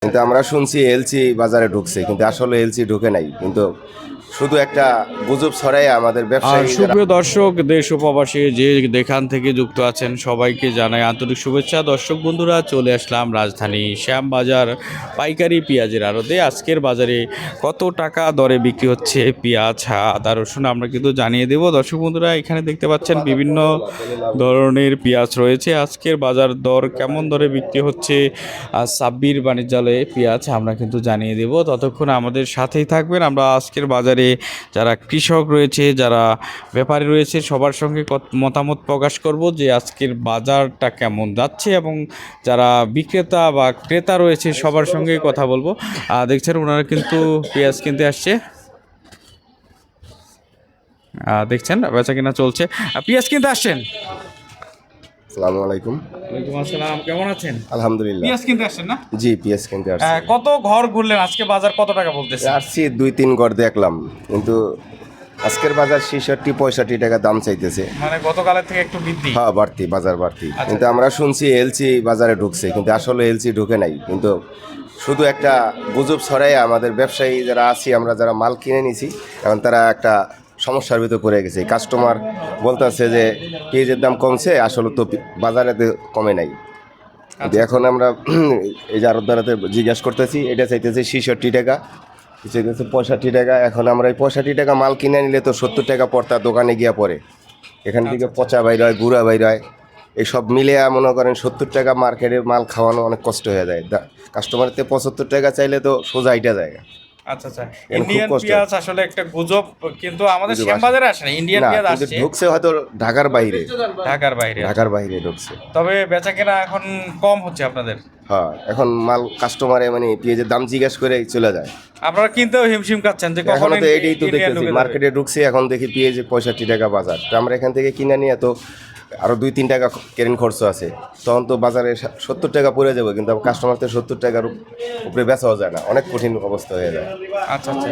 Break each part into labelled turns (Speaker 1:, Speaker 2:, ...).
Speaker 1: কিন্তু আমরা শুনছি এলসি বাজারে ঢুকছে, কিন্তু আসলে এলসি ঢুকে নাই, কিন্তু শুধু একটা গুজব ছড়াই আমাদের
Speaker 2: আর
Speaker 1: ব্যবসায়ী
Speaker 2: সুপ্রিয় দর্শক, দেশ ও প্রবাসী যে যেখান থেকে যুক্ত আছেন সবাইকে জানাই আন্তরিক শুভেচ্ছা। দর্শক বন্ধুরা, চলে আসলাম রাজধানী শ্যামবাজার পাইকারি পেঁয়াজের আড়তে। আজকের বাজারে কত টাকা দরে বিক্রি হচ্ছে পেঁয়াজ, আদা, রসুন আমরা কিন্তু জানিয়ে দেব। দর্শক বন্ধুরা, এখানে দেখতে পাচ্ছেন বিভিন্ন ধরনের পেঁয়াজ রয়েছে। আজকের বাজার দর কেমন দরে বিক্রি হচ্ছে সাব্বির বাণিজ্যালয়ে পেঁয়াজ আমরা কিন্তু জানিয়ে দেব। ততক্ষণ আমাদের সাথেই থাকবেন। আমরা আজকের বাজারে যারা কৃষক রয়েছে, যারা ব্যাপারী রয়েছে, সবার সঙ্গে মতামত প্রকাশ করব যে আজকের বাজারটা কেমন যাচ্ছে, এবং যারা বিক্রেতা বা ক্রেতা রয়েছে সবার সঙ্গেই কথা বলবো। দেখছেন ওনারা কিন্তু পেঁয়াজ কিনতে আসছে, দেখছেন বেচা কিনা চলছে। পেঁয়াজ কিনতে আসছেন?
Speaker 1: আসসালামু আলাইকুম।
Speaker 2: ওয়ালাইকুম আসসালাম, কেমন আছেন?
Speaker 1: আলহামদুলিল্লাহ।
Speaker 2: পেঁয়াজ কিনতে আসছেন না?
Speaker 1: জি, পিএস কিনতে আসছি।
Speaker 2: কত ঘর ঘুরলেন? আজকে বাজার কত টাকা বলতেছে?
Speaker 1: আসছি 2-3 গড় দেখলাম, কিন্তু আজকের বাজার 66-65 টাকা দাম চাইতেছে।
Speaker 2: মানে গতকালের থেকে একটু বৃদ্ধি?
Speaker 1: হ্যাঁ, বাড়তি, বাজার বাড়তি। কিন্তু আমরা শুনছি এলসি বাজারে ঢুকছে, কিন্তু আসলে এলসি ঢুকে নাই, কিন্তু শুধু একটা গুজব ছড়াই আমাদের ব্যবসায়ী যারা আছি, আমরা যারা মাল কিনে নিছি, এখন তারা একটা সমস্যার ভিতর পড়ে গেছে। কাস্টমার বলতেছে যে পেঁয়াজের দাম কমছে, আসলে তো বাজারে কমে নাই। কিন্তু এখন আমরা এই যে আরো দ্বারাতে জিজ্ঞাসা করতেছি, এটা চাইতেছে 66 টাকা, চাইতেছে 65 টাকা। এখন আমরা এই 65 টাকা মাল কিনে নিলে তো 70 টাকা পড়তা দোকানে গিয়া পড়ে, এখান থেকে পচা বাইর হয়, গুঁড়া বাইর হয়, এইসব মিলে মনে করেন 70 টাকা মার্কেটে মাল খাওয়ানো অনেক কষ্ট হয়ে যায়। কাস্টমারের 75 টাকা চাইলে তো সোজা এটা যায়।
Speaker 2: আচ্ছা আচ্ছা, ইন্ডিয়ান পেঁয়াজ আসলে একটা গুজব, কিন্তু আমাদের শ্যামবাজারে আসে না। ইন্ডিয়ান পেঁয়াজ আসছে,
Speaker 1: ঢুকছে হয়তো ঢাকার বাইরে, ঢাকার বাইরে ঢুকছে।
Speaker 2: তবে বেচা কেনা এখন কম হচ্ছে আপনাদের?
Speaker 1: হ্যাঁ, এখন মাল কাস্টমারে মানে পেঁয়াজের দাম জিজ্ঞাসা করে চলে যায়।
Speaker 2: আপনারা কিনতেও হিমশিম খাচ্ছেন যে
Speaker 1: এখন
Speaker 2: কখন
Speaker 1: তো এইটাই তো দেখতেছি, মার্কেটে ঢুকছে, এখন দেখি পেঁয়াজ 65 টাকা বাজার। তো আমরা এখান থেকে কিনে নিয়ে তো আরো 2-3 টাকা কেরেন খরচ আছে, তখন তো বাজারে 70 টাকা পড়ে যাবে, কিন্তু কাস্টমার তো 70 টাকার উপরে বেচাও যায় না, অনেক কঠিন অবস্থা হয়ে যায়।
Speaker 2: আচ্ছা আচ্ছা,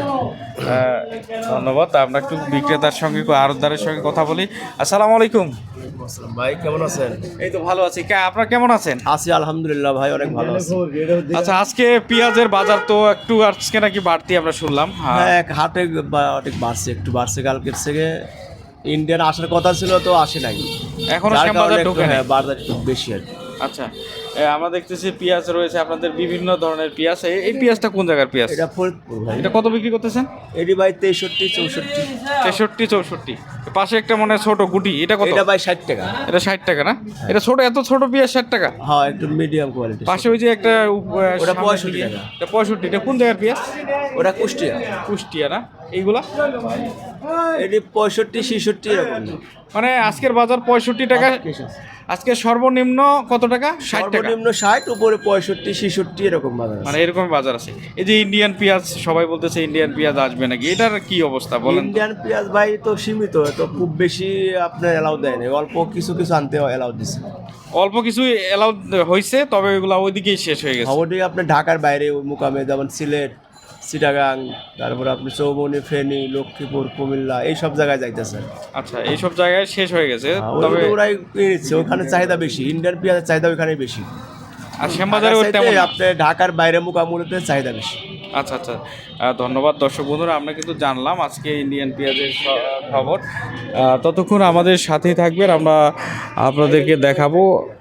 Speaker 2: ধন্যবাদ। আমরা একটু বিক্রেতার সঙ্গে আড়তদারের সঙ্গে কথা বলি। আসসালামু আলাইকুম
Speaker 3: ভাই, কেমন আছেন?
Speaker 2: এই তো ভালো আছি। আপনারা কেমন আছেন?
Speaker 3: আছি আলহামদুলিল্লাহ ভাই, অনেক ভালো আছি।
Speaker 2: আচ্ছা, আজকে পেঁয়াজের বাজার তো একটু আজকে নাকি বাড়তি আমরা শুনলাম।
Speaker 3: হ্যাঁ, হাটে অনেক বাড়ছে, একটু বাড়ছে। কালকের থেকে ইন্ডিয়ান আসার কথা ছিল, তো আসে নাই
Speaker 2: এখনো
Speaker 3: যার
Speaker 2: শ্যামবাজার
Speaker 3: কারণে একটু,
Speaker 2: ঢোকে নাই।
Speaker 3: হ্যাঁ, বাজার একটু বেশি আর কি।
Speaker 2: আচ্ছা, আমরা দেখতেছি পেঁয়াজ রয়েছে আপনাদের, বিভিন্ন ধরনের পেঁয়াজ। এই পেঁয়াজটা কোন জায়গার পেঁয়াজ?
Speaker 3: এটা ফরিদপুর ভাই।
Speaker 2: এটা কত বিক্রি করতেছেন?
Speaker 3: এটি ভাই 63-64।
Speaker 2: 63-64। পাশে একটা মনে হয় ছোট গুটি, এটা কত?
Speaker 3: এটা ভাই 60 টাকা।
Speaker 2: এটা 60 টাকা না? এটা ছোট, এত ছোট পেঁয়াজ 60 টাকা?
Speaker 3: হ্যাঁ, একটু মিডিয়াম কোয়ালিটি।
Speaker 2: পাশে ওই যে একটা
Speaker 3: ওটা
Speaker 2: সামনে
Speaker 3: 65
Speaker 2: দিকে,
Speaker 3: টাকা।
Speaker 2: এটা 65। এটা কোন জায়গার পেঁয়াজ?
Speaker 3: ওটা কুষ্টিয়া।
Speaker 2: কুষ্টিয়া না? এইগুলা
Speaker 3: এটি 65-66 এরকম।
Speaker 2: মানে আজকের বাজার 65 টাকা। আজকে সর্বনিম্ন কত টাকা? 60 টাকা।
Speaker 3: সর্বনিম্ন 60, উপরে 65-66 এরকম বাজার আছে।
Speaker 2: মানে এরকম বাজার আছে। এই যে ইন্ডিয়ান পেঁয়াজ, সবাই বলতেছে ইন্ডিয়ান পেঁয়াজ আসবে নাকি, এটার কি অবস্থা বলেন?
Speaker 3: ইন্ডিয়ান পেঁয়াজ ভাই তো সীমিত, তো খুব বেশি আপনার এলাও দেয় না, অল্প কিছু কিছু আনতে এলাও দিচ্ছে।
Speaker 2: অল্প কিছু এলাউ হয়েছে, তবে ওইগুলা ওইদিকেই শেষ হয়ে গেছে।
Speaker 3: খবরটি আপনার ঢাকার বাইরে ওই মুকামে, যেমন সিলেট, চিটাগাং, তারপর আপনি চৌবনি, ফেনী, লক্ষ্মীপুর, কুমিল্লা, এই সব জায়গায় যাইতেছে।
Speaker 2: আচ্ছা, এইসব জায়গায় শেষ হয়ে গেছে, তবে
Speaker 3: ওরাই নিচ্ছে, ওখানে চাহিদা বেশি, ইন্ডিয়ান পেঁয়াজের চাহিদা ওখানে বেশি।
Speaker 2: আর শ্যামবাজারে তেমন না।
Speaker 3: আপনার ঢাকার বাইরে মুকামুলিতে চাহিদা বেশি।
Speaker 2: আচ্ছা আচ্ছা, ধন্যবাদ। দর্শক বন্ধুরা, আমরা কিন্তু জানলাম আজকে ইন্ডিয়ান পেঁয়াজের খবর। ততক্ষণ আমাদের সাথেই থাকবেন, আমরা আপনাদেরকে দেখাবো